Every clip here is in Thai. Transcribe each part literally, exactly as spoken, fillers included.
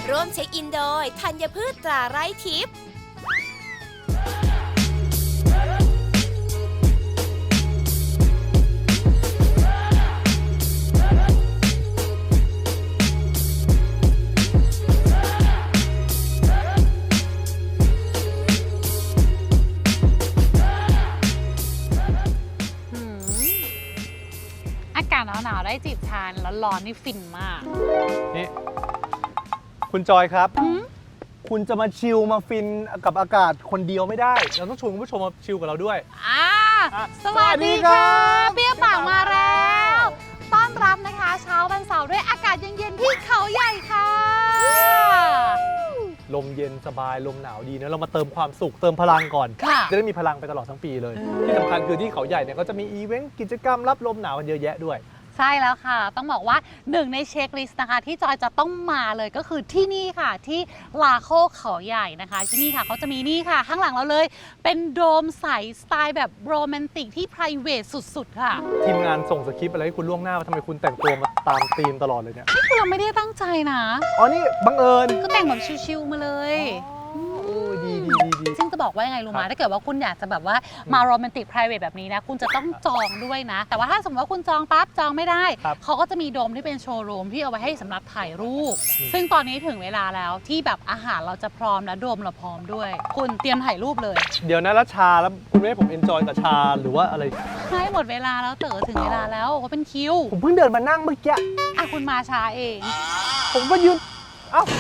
ร่วมเช็คอินโดยธัญพืชตราไร้ทิพย์อากาศหนาวๆได้จีบทานแล้วร้อนนี่ฟินมากนี่คุณจอยครับ คุณจะมาชิลมาฟินกับอากาศคนเดียวไม่ได้เราต้องชวนคุณผู้ชมมาชิลกับเราด้วยอ่าสวัสดีค่ะเบี้ยปากมาแล้วต้อนรับนะคะเช้าวันเสาร์ด้วยอากาศเย็นๆที่เขาใหญ่ค่ะลมเย็นสบายลมหนาวดีนะเรามาเติมความสุขเติมพลังก่อนจะได้มีพลังไปตลอดทั้งปีเลยที่สำคัญคือที่เขาใหญ่เนี่ยก็จะมีอีเวนต์กิจกรรมรับลมหนาวกันเยอะแยะด้วยใช่แล้วค่ะต้องบอกว่าหนึ่งในเช็คลิสต์นะคะที่จอยจะต้องมาเลยก็คือที่นี่ค่ะที่ลาโคเขาใหญ่นะคะที่นี่ค่ะเขาจะมีนี่ค่ะข้างหลังเราเลยเป็นโดมใสสไตล์แบบโรแมนติกที่ ไพรเวท สุดๆค่ะทีมงานส่งสคริปต์อะไรให้คุณล่วงหน้าว่าทำไมคุณแต่งตัวมาตามธีมตลอดเลยเนี่ยนี่คือเราไม่ได้ตั้งใจนะอ๋อนี่บังเอิญก็แต่งแบบชิลๆมาเลยดีดีดีดีซึ่งจะบอกว่ายังไงรู้ไหมถ้าเกิดว่าคุณอยากจะแบบว่ามาโรแมนติก ไพรเวท แบบนี้นะคุณจะต้องจองด้วยนะแต่ว่าถ้าสมมติว่าคุณจองปั๊บจองไม่ได้เขาก็จะมีโดมที่เป็นโชว์รูมที่เอาไว้ให้สำหรับถ่ายรูปซึ่งตอนนี้ถึงเวลาแล้วที่แบบอาหารเราจะพร้อมและโดมเราพร้อมด้วยคุณเตรียมถ่ายรูปเลยเดี๋ยวนะแล้วชาแล้วคุณไม่ให้ผมเอนจอยกับชาหรือว่าอะไรให้หมดเวลาแล้วเต๋อถึงเวลาแล้วก็เป็นคิวผมเพิ่งเดินมานั่งเมื่อกี้อ่ะคุณมาช้าเองผมก็ยืนเอ้า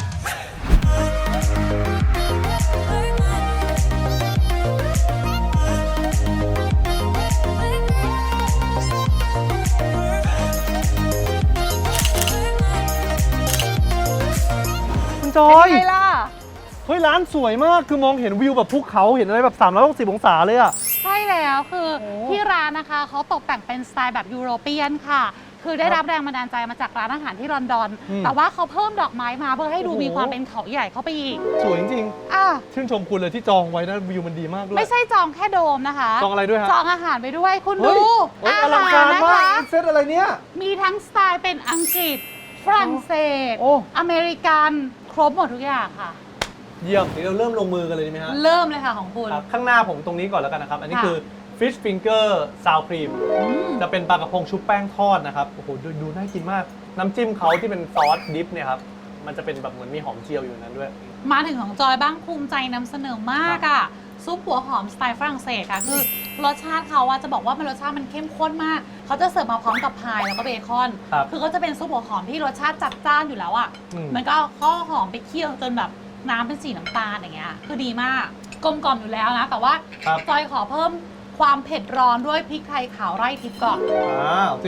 จอยเป็นไงล่ะเฮ้ยร้านสวยมากคือมองเห็นวิวแบบภูเขาเห็นอะไรแบบสามร้อยหกสิบองศาเลยอะใช่แล้วคือที่ร้านนะคะเขาตกแต่งเป็นสไตล์แบบยุโรเปียนค่ะคือได้รับแรงบันดาลใจมาจากร้านอาหารที่ลอนดอนแต่ว่าเขาเพิ่มดอกไม้มาเพื่อให้ดูมีความเป็นเขาใหญ่เข้าไปอีกสวยจริงๆอ่ะชื่นชมคุณเลยที่จองไว้นะวิวมันดีมากด้วยไม่ใช่จองแค่โดมนะคะจองอะไรด้วยฮะจองอาหารไปด้วยคุณดูอาหารนะคะเซตอะไรเนี้ยมีทั้งสไตล์เป็นอังกฤษฝรั่งเศสอเมริกันครบหมดทุกอย่างค่ะเยี่ยมเดี๋ยวเราเริ่มลงมือกันเลยดีไหมฮะเริ่มเลยค่ะของคุณข้างหน้าผมตรงนี้ก่อนแล้วกันนะครับอันนี้คือ Fish Finger Sour Cream จะเป็นปลากระพงชุบแป้งทอดนะครับโอ้โหดูดูน่ากินมากน้ำจิ้มเขาที่เป็นซอสดิฟเนี่ยครับมันจะเป็นแบบเหมือนมีหอมเจียวอยู่นั้นด้วยมาถึงของจอยบ้างภูมิใจนำเสนอมากอ่ะซุปหัวหอมสไตล์ฝรั่งเศสค่ะคือรสชาติเขาจะบอกว่ามันรสชาติมันเข้มข้นมากเขาจะเสิร์ฟมาพร้อมกับพายแล้วก็เบคอนคือเขาจะเป็นซุปหัวหอมที่รสชาติจัดจ้านอยู่แล้วอ่ะมันก็เอาข้าวหอมไปเคี่ยวจนแบบน้ำเป็นสีน้ำตาลอย่างเงี้ยคือดีมากกลมกล่อมอยู่แล้วนะแต่ว่าจอยขอเพิ่มความเผ็ดร้อนด้วยพริกไทยขาวไร่ทิพย์ก่อนอ้าวสิ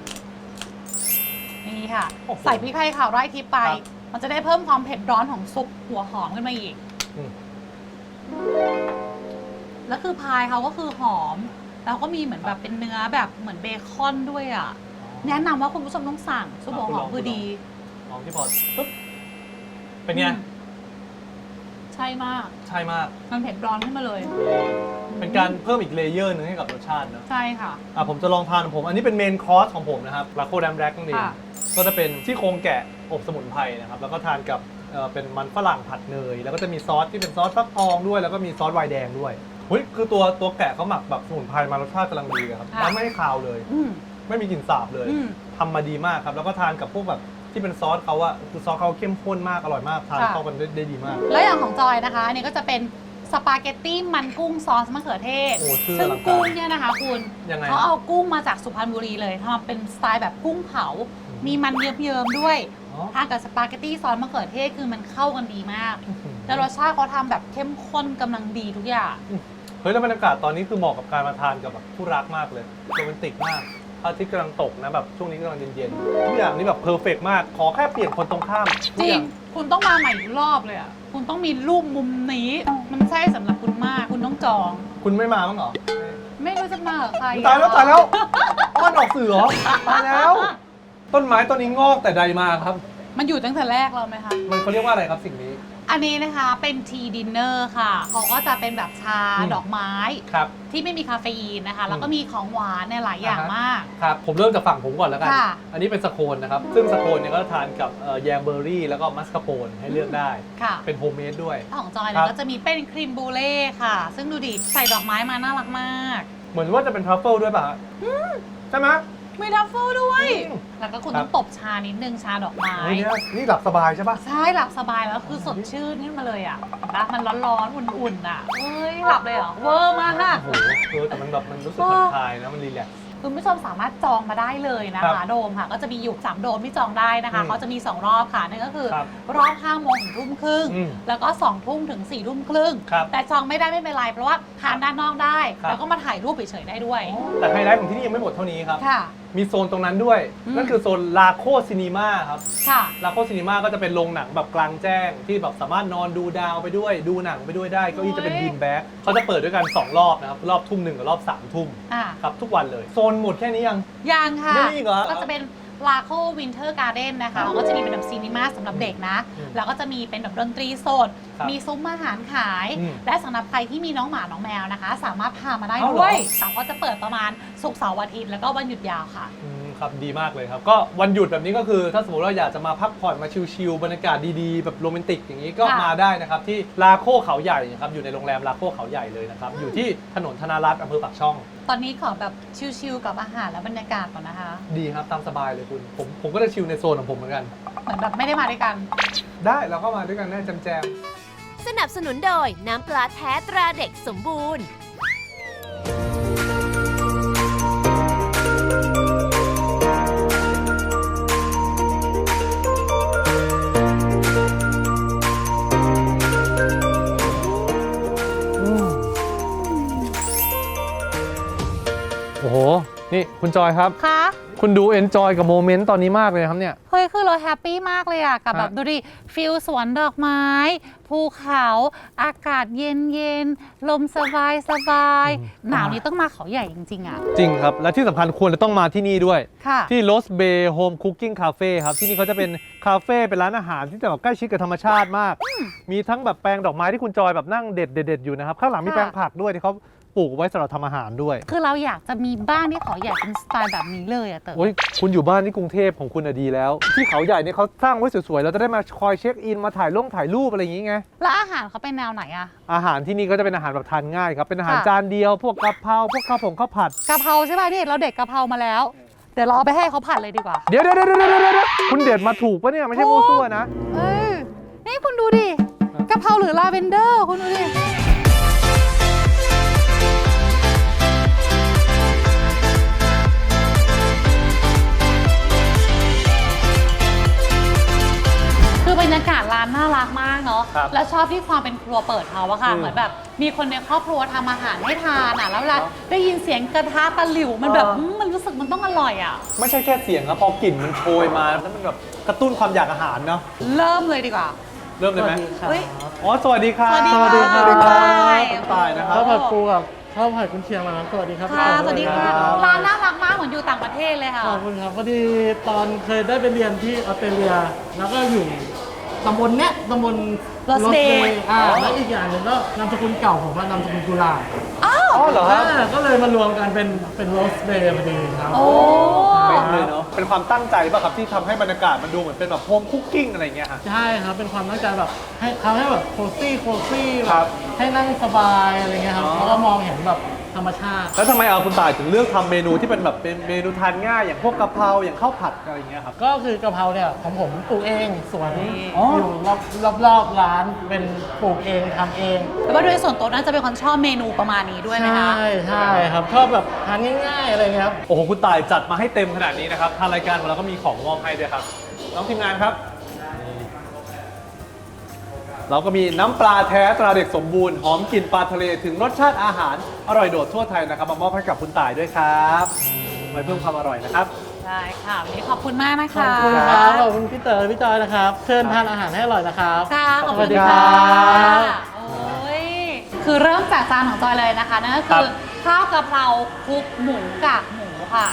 นี่ค่ะใส่พริกไทยขาวไร่ทิพย์ไปมันจะได้เพิ่มความเผ็ดร้อนของซุปหัวหอมขึ้นมาอีกแล้วคือพายเขาก็คือหอมแล้วก็มีเหมือนแบบเป็นเนื้อแบบเหมือนเบคอนด้วยอ่ะแนะนำว่าคุณผู้ชมต้องสั่งซุปหัวหอมคือดีลองที่พอปุ๊บเป็นไงใช่มากใช่มากมันเผ็ดร้อนขึ้นมาเลยเป็นการเพิ่มอีกเลเยอร์นึงให้กับรสชาตินะใช่ค่ะอ่ะผมจะลองทานของผมอันนี้เป็นเมนคอร์สของผมนะครับลาโคแดมแร็กนั่นเองก็จะเป็นที่โครงแกะอบสมุนไพรนะครับแล้วก็ทานกับเป็นมันฝรั่งผัดเนยแล้วก็จะมีซอสที่เป็นซอสฟักทองด้วยแล้วก็มีซอสไวน์แดงด้วยเฮ้ยคือตัวตัวแกะเขาหมักแบบสมุนไพรมารสชาติกำลังดีเลยครับแล้วไม่ให้คาวเลยไม่มีกลิ่นสาบเลยทำมาดีมากครับแล้วก็ทานกับพวกแบบที่เป็นซอสเขาอะคือซอสเขาเข้มข้นมากอร่อยมากทานเข้ากันได้ดีมากแล้วอย่างของจอยนะคะอันนี้ก็จะเป็นสปาเกตตี้มันกุ้งซอสมะเขือเทศซึ่งกุ้งเนี่ยนะคะคุณเขาเอากุ้งมาจากสุพรรณบุรีเลยทำเป็นสไตล์แบบกุ้งเผามีมันเยิ้มๆด้วยทานกับสปาเกตตี้ซอสมะเขือเทศคือมันเข้ากันดีมากแต่รสชาติเขาทำแบบเข้มข้นกำลังดีทุกอย่างเฮ้ยแล้วบรรยากาศตอนนี้คือเหมาะกับการมาทานกับแบบผู้รักมากเลยโรแมนติกมากพระอาทิตย์กำลังตกนะแบบช่วงนี้กำลังเย็นๆทุกอย่างนี่แบบเพอร์เฟกต์มากขอแค่เปลี่ยนคนตรงข้ามจริงคุณต้องมาใหม่อีกรอบเลยอ่ะคุณต้องมีรูปมุมนี้มันใช่สำหรับคุณมากคุณต้องจองคุณไม่มาบ้างเหรอไม่รู้จะมาเหรอใครตายแล้วตายแล้วอ้อนออกสื่อเหรอตายแล้วต้นไม้ต้นนี้งอกแต่ใดมาครับมันอยู่ตั้งแต่แรกเราไหมคะมันเขาเรียกว่าอะไรครับสิ่งนี้อันนี้นะคะเป็นทีดินเนอร์ค่ะเขาก็จะเป็นแบบชาอืมดอกไม้ครับที่ไม่มีคาเฟอีนนะคะ แล้วก็อืมมีของหวานเนี่ยหลายอย่างอ่าฮะมากครับผมเริ่มจากฝั่งผมก่อนแล้วกันค่ะอันนี้เป็นสโคนนะครับซึ่งสโคนเนี่ยก็ทานกับเอ่อแยมเบอร์รี่แล้วก็มัสคาโปนให้เลือกได้ค่ะเป็นโฮมเมดด้วยของจอยคเนี่รัยบก็จะมีเป็นครีมบูเล่ค่ะ ซึ่งดูดิใส่ดอกไม้มาน่ารักมากเหมือนว่าจะเป็นทรัฟเฟิลด้วยป่ะฮะใช่ไหมมีทัฟเฟิลด้วยอืมแล้วก็คุณครัต้อบ งตบชานิดนึงชาดอกไม้เฮ้ยเนี่ยนี่หลับสบายใช่ป่ะใช่หลับสบายแล้วคือสดชื่นขึ้นมาเลยอ่ะเห็นปะมันร้อนๆอุ่นๆอ่ะเอ้ยหลับเลยเหรอเวอร์มากโอ้โหเออแต่มันแบบมันรู้สึกผ่อนคลายนะมันรีแลกซ์คุณผู้ชมสามารถจองมาได้เลยนะครัคะบโดมค่ะก็จะมีอยู่สามโดมที่จองได้นะคะอืมเขาจะมีสองรอบค่ะนั่นก็คือครับรอบห้าโมงถึงทุ่มครึ่งอืมแล้วก็สองทุ่มถึงสี่ทุ่มครึ่งครับแต่จองไม่ได้ไม่เป็นไรเพราะว่าทานด้านนอกได้ครับแล้วก็มาถ่ายรูปเฉยๆได้ด้วยแต่ไฮไลท์ของที่นี่ยังไม่หมดเท่านี้ครับค่ะมีโซนตรงนั้นด้วยอืมนั่นคือโซนลาโคซินีมาครับค่ะลาโคซินีมาก็จะเป็นโรงหนังแบบกลางแจ้ง ที่แบบสามารถนอนดูดาวไปด้วย ดูหนังไปด้วยได้เก้าอี้จะเป็นบีนแบ็กเขาจะเปิดด้วยกันสองรอบนะครับรอบทุ่มหนึ่งกับรอบสามทุ่มอ่าครับทุกวันเลยโซนหมดแค่นี้ยังยังค่ะยังมีอีกเหรอก็จะเป็นลาโควินเทอร์การ์เด้นนะคะก็จะมีเป็นแบบซีนีมาสำหรับเด็กนะอืมแล้วก็จะมีเป็นแบบดนตรีสดครับมีซุ้มอาหารขายอืมและสำหรับใครที่มีน้องหมา น้องแมวนะคะ สามารถพามาได้อ้าวเหรอด้วยแต่ก็จะเปิดประมาณศุกร์เสาร์อาทิตย์แล้วก็วันหยุดยาวค่ะอืมครับดีมากเลยครับ ก็วันหยุดแบบนี้ก็คือถ้าสมมติว่าอยากจะมาพักผ่อนมาชิลๆบรรยากาศดีๆ แบบโรแมนติกอย่างนี้ก็ค่ะมาได้นะครับ ที่ลาโคเขาใหญ่นะครับอยู่ในโรงแรมลาโคเขาใหญ่เลยนะครับ อยู่ที่ถนนธนารัตน์อำเภอปากช่องตอนนี้ขอแบบชิลๆกับอาหารและบรรยากาศก่อนนะคะดีครับตามสบายเลยคุณ ผมผมก็จะชิลในโซนของผมเหมือนกันเหมือนแบบไม่ได้มาด้วยกันได้เราก็มาด้วยกันได้แจมสนับสนุนโดยน้ำปลาแท้ตราเด็กสมบูรณ์ๆอืมโอ้โห นี่คุณจอยครับคะคุณดูเอนจอยกับโมเมนต์ตอนนี้มากเลยนะครับเนี่ยเฮ้ยคือเราแฮปปี้มากเลยอะกับแบบฮะดูดิฟิลสวนดอกไม้ ภูเขาอากาศเย็นเย็นๆลมสบายสบายหนาวนี้ต้องมาเขาใหญ่จริงๆอะจริงครับ และที่สำคัญควรจะต้องมาที่นี่ด้วยค่ะที่ Lost Bay Home Cooking Cafe ครับ ที่นี่เขาจะเป็นคาเฟ่เป็นร้านอาหารที่จะแบบใกล้ชิดกับธรรมชาติมาก มีทั้งแบบแปลงดอกไม้ที่คุณจอยแบบนั่งเด็ดเด็ดๆอยู่นะครับ ข้างหลังมีค่ะแปลงผักด้วยที่เขาปลูกไว้สำหรับทำอาหารด้วยคือเราอยากจะมีบ้านที่เขาใหญ่เป็นสไตล์แบบนี้เลยอะเต๋อโอ้ยคุณอยู่บ้านที่กรุงเทพของคุณอะดีแล้ว ที่เขาใหญ่เนี่ยเขาสร้างไว้สวยๆเราจะได้มาคอยเช็คอินมาถ่ายลงถ่ายรูปอะไรอย่างงี้ไงแล้วอาหารเขาเป็นแนวไหนอะอาหารที่นี่ก็จะเป็นอาหารแบบทานง่ายครับเป็นอาหารค่ะจานเดียวพวกกะเพราพวกข้าวผงข้าวผัดกะเพราใช่ป่ะนี่เราเด็ดกะเพรามาแล้ว เดี๋ยวเราเอาไปให้เขาผัดเลยดีกว่าเดี๋ยวเดี๋ยวเดี๋ยวเดี๋ยวเดี๋ยวคุณเด็ดมาถูกปะเนี่ยไม่ใช่มั่วซั่วนะเอ้ยนี่คุณดูดิกะเพราหรือลาเวนเดอร์คุณดูดิคือบรรยากาศร้านน่ารักมากเนาะครับแล้วชอบที่ความเป็นครัวเปิดเขาอะค่ะอืมเหมือนแบบมีคนในครอบครัวทำอาหารให้ทานอะแล้วเวลาได้ยินเสียงกระทะตะหลิวมันแบบเอออืมมันรู้สึกมันต้องอร่อยอะไม่ใช่แค่เสียงครับพอกลิ่นมันโชยมาแล้วมันแบบกระตุ้นความอยากอาหารเนาะเริ่มเลยดีกว่าเริ่มเลยไหมเฮ้ยอ๋อสวัสดีครับสวัสดีสวัสดีครับค่ะคุณตายนะครับข้าวผัดปูกับข้าวผัดกุนเชียงนะครับสวัสดีครับค่ะ สวัสดีค่ะครับร้านน่ารักมากเหมือนอยู่ต่างประเทศเลยค่ะขอบคุณครับพอดีตอนเคยได้ไปเรียนที่ออสเตรเลีย แล้วก็อยู่ตำบลเนี้ยตำบล Lost Lost Bay Bay อ่าแล้วอีกอย่างหนึ่งก็นามสกุลเก่าผมว่านามสกุลกุลาอ้าวอ๋อเหรอครับอ่าก็เลยมารวมกันเป็นเป็น Lost Bay พอดีครับโอ้เป็นเลยเนาะเป็นความตั้งใจป่ะครับที่ทำให้บรรยากาศมันดูเหมือนเป็นแบบโฮมคุกกิ้งอะไรอย่างเงี้ยฮะใช่ครับเป็นความตั้งใจแบบให้ทำให้แบบโคซี่โคซี่แบครับ บให้นั่งสบายอะไรเงี้ยครับอ๋อแล้วก็มองเห็นแบบธรรมชาติแล้วทำไมเอาคุณตายถึงเลือกทำเมนูที่เป็นแบบเป็นเมนูทานง่ายอย่างพวกกะเพราอย่างข้าวผัดอะไรอย่างเงี้ยครับก็คือกะเพราเนี่ยของผมปลูกเองสวนอ๋ออยู่รอบรอบรอบร้านเป็นปลูกเองทำเองแต่ว่าโดยส่วนตัวน่าจะเป็นคนชอบเมนูประมาณนี้ด้วยไหมคะใช่ใช่ครับชอบแบบทานง่ายๆอะไรเงี้ยครับโอ้โหคุณตายจัดมาให้เต็มขนาดนี้นะครับทางรายการของเราก็มีของมอบให้ด้วยครับน้องทีมงานครับนี่เราก็มีน้ำปลาแท้ตราเด็กสมบูรณ์หอมกลิ่นปลาทะเลถึงรสชาติอาหารอร่อยโดดทั่วไทยนะครับมามอบให้กับคุณตายด้วยครับไว้เพิ่มความอร่อยนะครับได้ค่ะวันนี้ขอบคุณมากนะขอคะบคุณครับขอบคุณพี่เต๋อพี่จอยนะครับ เชิญทานอาหารให้อร่อยนะครับค่ะขอบคุณสวัสดีค่ะครับโอ้ยคือเริ่มจากจานของจอยเลยนะคะนั่นก็คือข้าวกะเพราคลุกหมูกากหมูค่ะ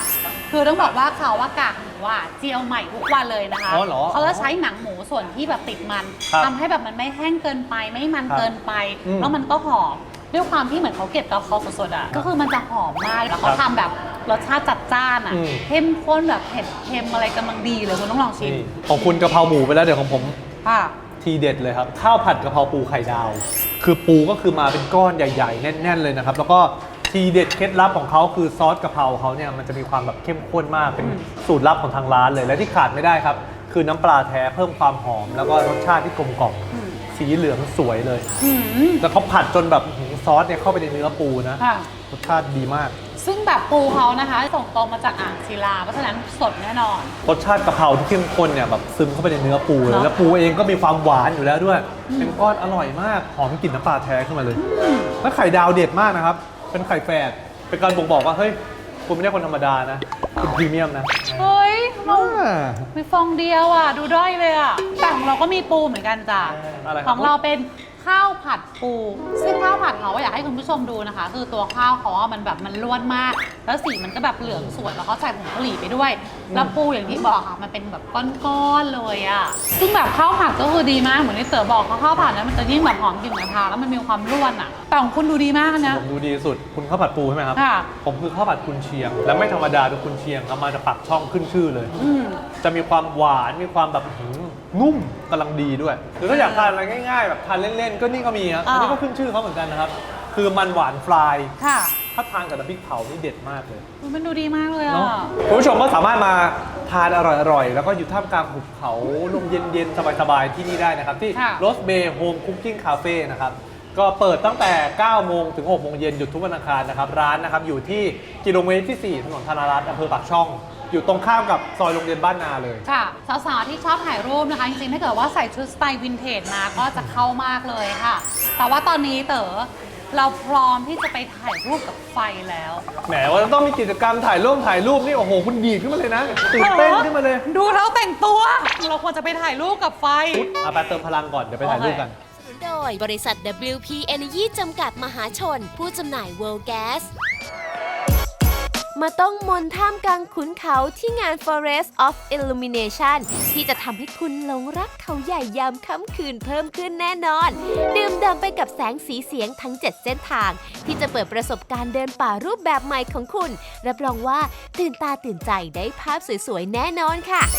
คือต้องบอกว่าเขาว่ากากหมูอ่ะเจียวใหม่ทุกวันเลยนะคะอ๋อเหรอเขาจะใช้หนังหมูส่วนที่แบบติดมันครับทำให้แบบมันไม่แห้งเกินไปไม่มันครับเกินไปอืมแล้วมันก็หอมด้วยความที่เหมือนเขาเก็บกะเพราสดๆอ่ะก็คือมันจะหอมมากแล้วเขาทำแบบรสชาติจัดจ้านอ่ะอืมเข้มข้นแบบเผ็ดเค็มอะไรกำลังดีเลยคุณต้องลองชิมนี่ของคุณกะเพราหมูไปแล้วเดี๋ยวของผมค่ะทีเด็ดเลยครับข้าวผัดกะเพราปูไข่ดาว คือปูก็คือมาเป็นก้อนใหญ่ๆ แน่นๆเลยนะครับแล้วก็ทีเด็ดเคล็ดลับของเขาคือซอสกะเพราเขาเนี่ยมันจะมีความแบบเข้มข้นมากเป็นสูตรลับของทางร้านเลยและที่ขาดไม่ได้ครับคือน้ำปลาแท้เพิ่มความหอม แล้วก็รสชาติที่กลมกล่อมสีเหลืองสวยเลยอืมแล้วเขาผัดจนแบบหือซอสเนี่ยเข้าไปในเนื้อปูนะค่ะรสชาติดีมากซึ่งแบบปูเขานะคะส่งตรงมาจากอ่างศิลาเพราะฉะนั้นสดแน่นอนรสชาติกะเพราที่เข้มข้นเนี่ยแบบซึมเข้าไปในเนื้อปูเลยเนอะแล้วปูเองก็มีความหวานอยู่แล้วด้วยเป็นก้อนอร่อยมากหอมกลิ่นน้ำปลาแท้ขึ้นมาเลยแล้วไข่ดาวเด็ดมากนะครับเป็นไข่แฝดเป็นการบ่งบอกว่าเฮ้ยคุณไม่ใช่คนธรรมดานะคุณพรีเมียมนะเฮ้ยเราอ่ามีฟองเดียวอ่ะ ดูด้อยเลยอ่ะแต่ของเราก็มีปูเหมือนกันจ้ะอะไรครับของเราเป็นข้าวผัดปู ซึ่งข้าวผัดเขาอยากให้คุณผู้ชมดูนะคะ คือตัวข้าวเขาอะมันแบบมันล้วนมาก แล้วสีมันก็แบบเหลืองสวยแล้วก็ใส่ผงกะหรี่ไปด้วย แล้วปูอย่างที่บอกค่ะมันเป็นแบบก้อนๆเลยอ่ะซึ่งแบบข้าวผัดก็คือดีมากเหมือนที่เต๋อบอกเขาข้าวผัดนั้นมันจะยิ่งแบบหอมกลิ่นกระทะแล้วมันมีความร่วนอ่ะแต่ของคุณดูดีมากนะผมดูดีสุดคุณข้าวผัดปูใช่ไหมครับค่ะผมคือข้าวผัดกุนเชียง และไม่ธรรมดาเป็นกุนเชียงครับมาจากปากช่องขึ้นชื่อเลยอืมจะมีความหวานมีความแบบหืมนุ่มกำลังดีด้วยหรือถ้าอยากทานอะไรง่ายๆแบบทานเล่นๆก็นี่ก็มีครับอ่าอันนี้ก็ขึ้นชื่อเขาเหมือนกันนะครับคือมันหวานฟรายค่ะถ้าทานกับน้ำพริกเผานี่เด็ดมากเลยมันดูดีมากเลยเนาะอ่ะคุณผู้ชมก็สามารถมาทานอร่อยๆ แล้วก็อยู่ท่ามกลางหุบเขาลมเย็นๆ สบายๆ ที่นี่ได้นะครับ ที่ค่ะ Rose Bay Home Cooking Cafe นะครับ ก็เปิดตั้งแต่ เก้าโมงถึง หกโมงเย็นหยุดทุกวันอังคารนะครับ ร้านนะครับอยู่ที่กิโลเมตรที่ สี่ ถนนธนารัตน์อำเภอปากช่อง อยู่ตรงข้ามกับซอยโรงเรียนบ้านนาเลยค่ะสาวๆที่ชอบถ่ายรูปนะคะ จริงๆ ถ้าเกิดว่าใส่ชุดสไตล์วินเทจมาก็จะเข้ามากเลยค่ะ แต่ว่าตอนนี้เต๋อเราพร้อมที่จะไปถ่ายรูปกับไฟแล้วแหมว่าจะต้องมีกิจกรรมถ่ายรูปถ่ายรูปนี่โอ้โหคุณดีดขึ้นมาเลยนะตื่นเต้นขึ้นมาเลยดูเราแต่งตัว เราควรจะไปถ่ายรูปกับไฟอ่ะไปเติมพลังก่อนเดี๋ยวไปถ่ายรูปกันสนุนโดยบริษัท ดับเบิลยู พี Energy จำกัดมหาชน ผู้จำหน่าย World Gas มาต้องมนท่ามกลางขุนเขาที่งาน Forest of Illumination ที่จะทำให้คุณหลงรักเขาใหญ่ยามค่ำคืนเพิ่มขึ้นแน่นอน ดื่มด่ำไปกับแสงสีเสียงทั้ง เจ็ด เส้นทาง ที่จะเปิดประสบการณ์เดินป่ารูปแบบใหม่ของคุณ รับรองว่าตื่นตาตื่นใจได้ภาพสวยๆ แน่นอนค่ะ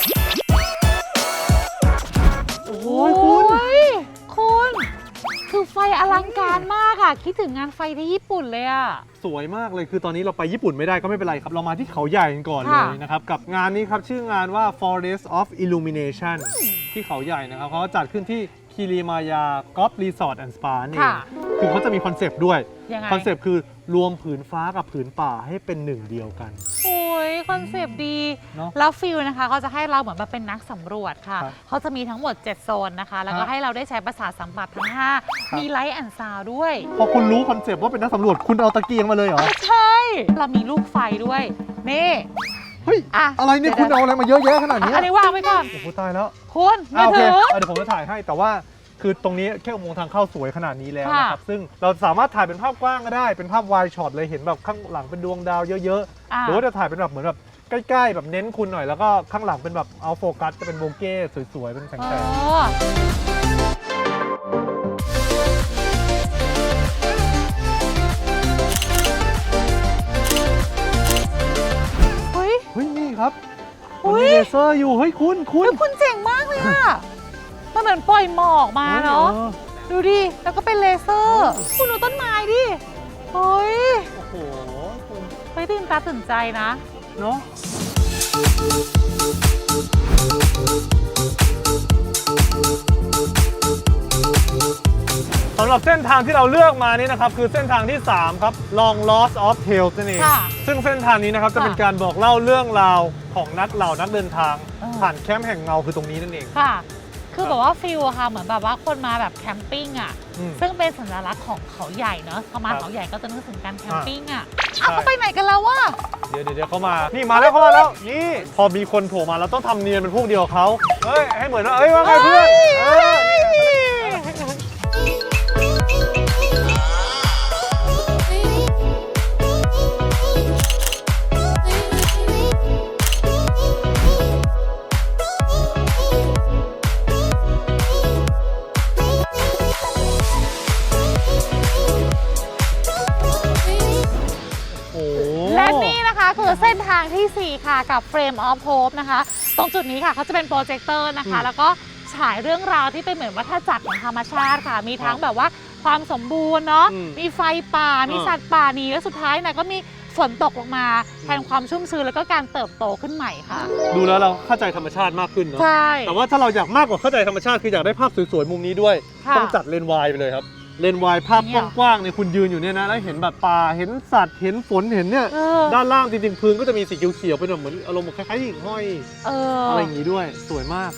โอ้ยคุณคุณคือไฟอลังการมากอ่ะ คิดถึงงานไฟที่ญี่ปุ่นเลยอ่ะสวยมากเลยคือตอนนี้เราไปญี่ปุ่นไม่ได้ก็ไม่เป็นไรครับ เรามาที่เขาใหญ่กันก่อนเลค่ะยนะครับ กับงานนี้ครับ ชื่องานว่า Forest of Illumination ที่เขาใหญ่นะครับเขาจัดขึ้นที่คิริมายากอล์ฟรีสอร์ทแอนด์สปานี่ค่ะคือเขาจะมีคอนเซปต์ด้วยยังไงคอนเซปต์คือรวมผืนฟ้ากับผืนป่าให้เป็นหนึ่งเดียวกันโอ้ยคอนเซปต์ดีเนอะแล้วฟิลนะคะเขาจะให้เราเหมือนแบบเป็นนักสำรวจค่ะครับเขาจะมีทั้งหมด เจ็ด โซนนะคะ แล้วก็ครับให้เราได้ใช้ประสาทสัมผัสทั้ง ห้าครับมีไลท์แอนด์ซาวด้วยพอคุณรู้คอนเซปต์ว่าเป็นนักสำรวจคุณเอาตะเกียงมาเลยเหรอใช่ เรามีลูกไฟด้วย นี่เฮ้ยอ่ะอะไรเนี่ยคุณเอาอะไรมาเยอะแยะขนาดอ่ะนี้อันนี้วางไว้ก่อนโอ้โหตายแล้วคุณมือ่ะอโอเคถืออ่ะเดี๋ยวผมจะถ่ายให้แต่ว่าคือตรงนี้แค่อุโมงค์ทางเข้าสวยขนาดนี้แล้วค่ะนะครับซึ่งเราสามารถถ่ายเป็นภาพกว้างก็ได้เป็นภาพวายช็อตเลยเห็นแบบข้างหลังเป็นดวงดาวเยอะๆอ่ะหรือว่าจะถ่ายเป็นแบบเหมือนแบบใกล้ๆแบบเน้นคุณหน่อยแล้วก็ข้างหลังเป็นแบบเอาโฟกัสจะเป็นโบเก้สวยๆเป็นแสเอง อเฮ้ยๆเฮ้ยนี่ครับอุ๊มันยมีเลเซอร์อยู่เฮ้ยคุณคุณเฮ้ยคุณเจ๋งมากเลยอะมันเหมือนปล่อยหมอกมาเนาะออดูดิ แล้วก็เป็นเลเซอร์ คุณดูต้นไม้ดิ เฮ้ยโอ้โหคุณเฮ้ยตื่นตาตื่นใจนะเนาะสำหรับเส้นทางที่เราเลือกมานี่นะครับคือเส้นทางที่ สาม ครับ Long Lost of Tales นั่นเองค่ะซึ่งเส้นทางนี้นะครับจะค่ะเป็นการบอกเล่าเรื่องราวของนักเหล่านักเดินทางเออผ่านแคมป์แห่งเงาคือตรงนี้นั่นเองค่ะ คือแบบว่าฟิลอะค่ะ เหมือนแบบว่าคนมาแบบแคมปิ้งอะอืมซึ่งเป็นสัญลักษณ์ของเขาใหญ่เนอะพอมาครับเขาใหญ่ก็จะนึกถึงการแคมอ่าปิ้งอะใช่อ้าวเขาไปไหนกันแล้ววะเดี๋ยวเดี๋ยวเดี๋ยวเขามา นี่มาแล้วเขามาแล้ว นี่ พอมีคนโผล่มาเราต้องทำเนียนเป็นพวกเดียวกับเขาเฮ้ย ให้เหมือนว่าเอ้ยว่าไงเพื่อนเออนี่คือเส้นทางที่สี่ค่ะกับ Frame of Hope นะคะตรงจุดนี้ค่ะเขาจะเป็นโปรเจคเตอร์นะคะแล้วก็ฉายเรื่องราวที่เป็นเหมือนวัฏจักรของธรรมชาติค่ะมีทั้งแบบว่าความสมบูรณ์เนาะมีไฟป่ามีสัตว์ป่าหนีและสุดท้ายเนี่ยก็มีฝนตกลงมาแทนความชุ่มชื้นแล้วก็การเติบโตขึ้นใหม่ค่ะดูแล้วเราเข้าใจธรรมชาติมากขึ้นเนาะใช่แต่ว่าถ้าเราอยากมากกว่าเข้าใจธรรมชาติคืออยากได้ภาพสวยๆมุมนี้ด้วยต้องจัดเลนส์วายไปเลยครับเลนส์วายภาพกว้างๆเนี่ยคุณยืนอยู่เนี่ยนะแล้วเห็นแบบป่าเห็นสัตว์เห็นฝนเห็นเนี่ยด้านล่างจริงๆพื้นก็จะมีสีเขียวๆเป็นแบบเหมือนอารมณ์คล้ายๆหิ่งห้อยเอออะไรอย่างนี้ด้วยสวยมาก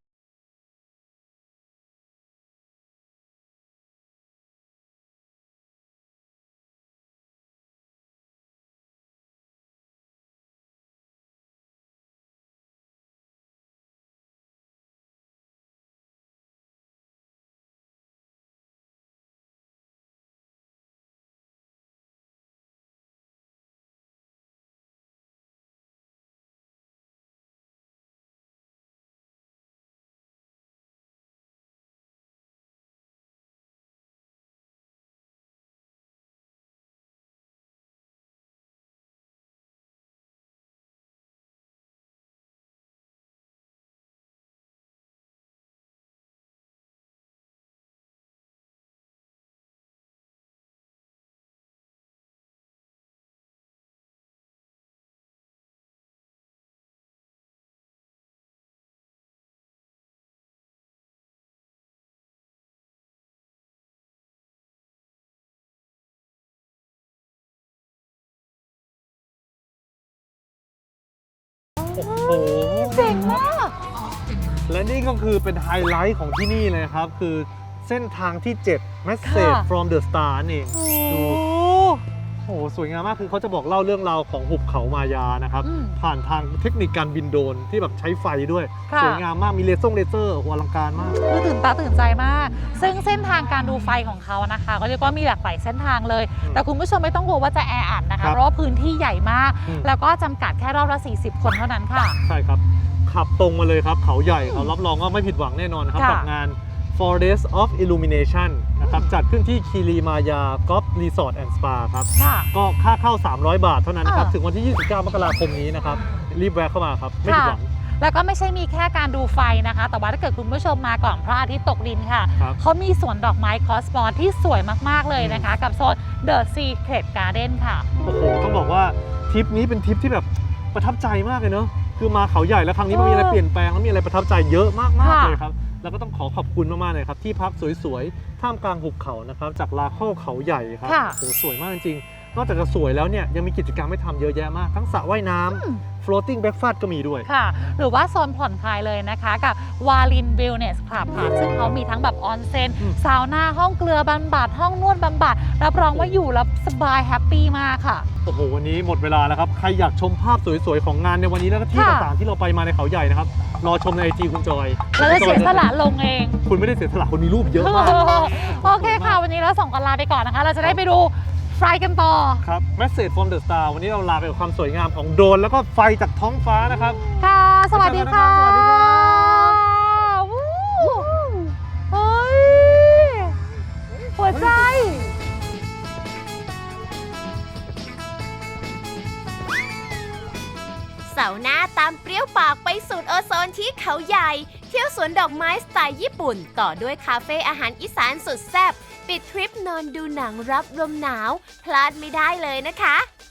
โอ้โหเจ๋งมากและนี่ก็คือเป็นไฮไลท์ของที่นี่เลยครับคือเส้นทางที่เจ็ด Message from the Star นั่นเองดูโอ้โหสวยงามมากคือเขาจะบอกเล่าเรื่องราวของหุบเขามายานะครับผ่านทางเทคนิคการบินโดรนที่แบบใช้ไฟด้วยสวยงามมากมีเลเซอร์เลเซอร์โอ้โหอลังการมากคือตื่นตาตื่นใจมากซึ่งเส้นทางการดูไฟของเขานะคะก็เรียกว่ามีหลากหลายเส้นทางเลยแต่คุณผู้ชมไม่ต้องกลัวว่าจะแออัดนะคะเพราะว่าพื้นที่ใหญ่มากแล้วก็จำกัดแค่รอบละสี่สิบคนเท่านั้นค่ะใช่ครับขับตรงมาเลยครับเขาใหญ่เขารับรองว่าไม่ผิดหวังแน่นอนนะครับกับงาน Forest of Illumination นะครับจัดขึ้นที่คีรีมายากอล์ฟรีสอร์ทแอนด์สปาครับก็ค่าเข้าสามร้อยบาทเท่านั้นนะครับถึงวันที่ยี่สิบเก้ามกราคมนี้นะครับรีบแวะเข้ามาครับไม่ผิดหวังแล้วก็ไม่ใช่มีแค่การดูไฟนะคะแต่ว่าถ้าเกิดคุณผู้ชมมาก่อนพระอาทิตย์ตกดินค่ะเขามีสวนดอกไม้คอสมอสที่สวยมากๆเลยนะคะกับโซน The Secret Garden ค่ะโอ้โหต้องบอกว่าทริปนี้เป็นทริปที่แบบประทับใจมากเลยเนาะคือมาเขาใหญ่แล้วครั้งนี้มันมีอะไรเปลี่ยนแปลงแล้วมีอะไรประทับใจเยอะมากๆเลยครับแล้วก็ต้องขอขอบคุณมากๆเลยครับที่พักสวยๆท่ามกลางหุบเขานะครับจากลาโคเขาใหญ่ครับโอ้โหสวยมากจริงๆนอกจากจะสวยแล้วเนี่ยยังมีกิจกรรมให้ทำเยอะแยะมากทั้งสระว่ายน้ำ floating breakfast ก็มีด้วยค่ะหรือว่าโซนผ่อนคลายเลยนะคะกับวาลินวิลเนสคลับค่ะซึ่งเขามีทั้งแบบออนเซ็นซาวน่าห้องเกลือบำบัดห้องนวดบำบัดรับรองว่าอยู่แล้วสบายแฮปปี้มากค่ะโอ้โหวันนี้หมดเวลาแล้วครับใครอยากชมภาพสวยๆของงานในวันนี้แล้วก็ที่ต่างๆที่เราไปมาในเขาใหญ่นะครับรอชมในไอจีคุณจอยแล้วจะเสียสละลงเองคุณไม่ได้เสียสละคนมีรูปเยอะมากโอเคค่ะวันนี้เราส่งกันลาไปก่อนนะคะเราจะได้ไปดูไฟกันต่อครับ Message from the Star วันนี้เราลาไปกับความสวยงามของโดรนแล้วก็ไฟจากท้องฟ้านะครับค่ะสวัสดีค่ะสวัสดีค่ะเฮ้ยหัวใจเสาร์หน้าตามเปรี้ยวปากไปสูดโอโซนที่เขาใหญ่เที่ยวสวนดอกไม้สไตล์ญี่ปุ่นต่อด้วยคาเฟ่อาหารอีสานสุดแซ่บปิดทริปนอนดูหนังรับลมหนาวพลาดไม่ได้เลยนะคะ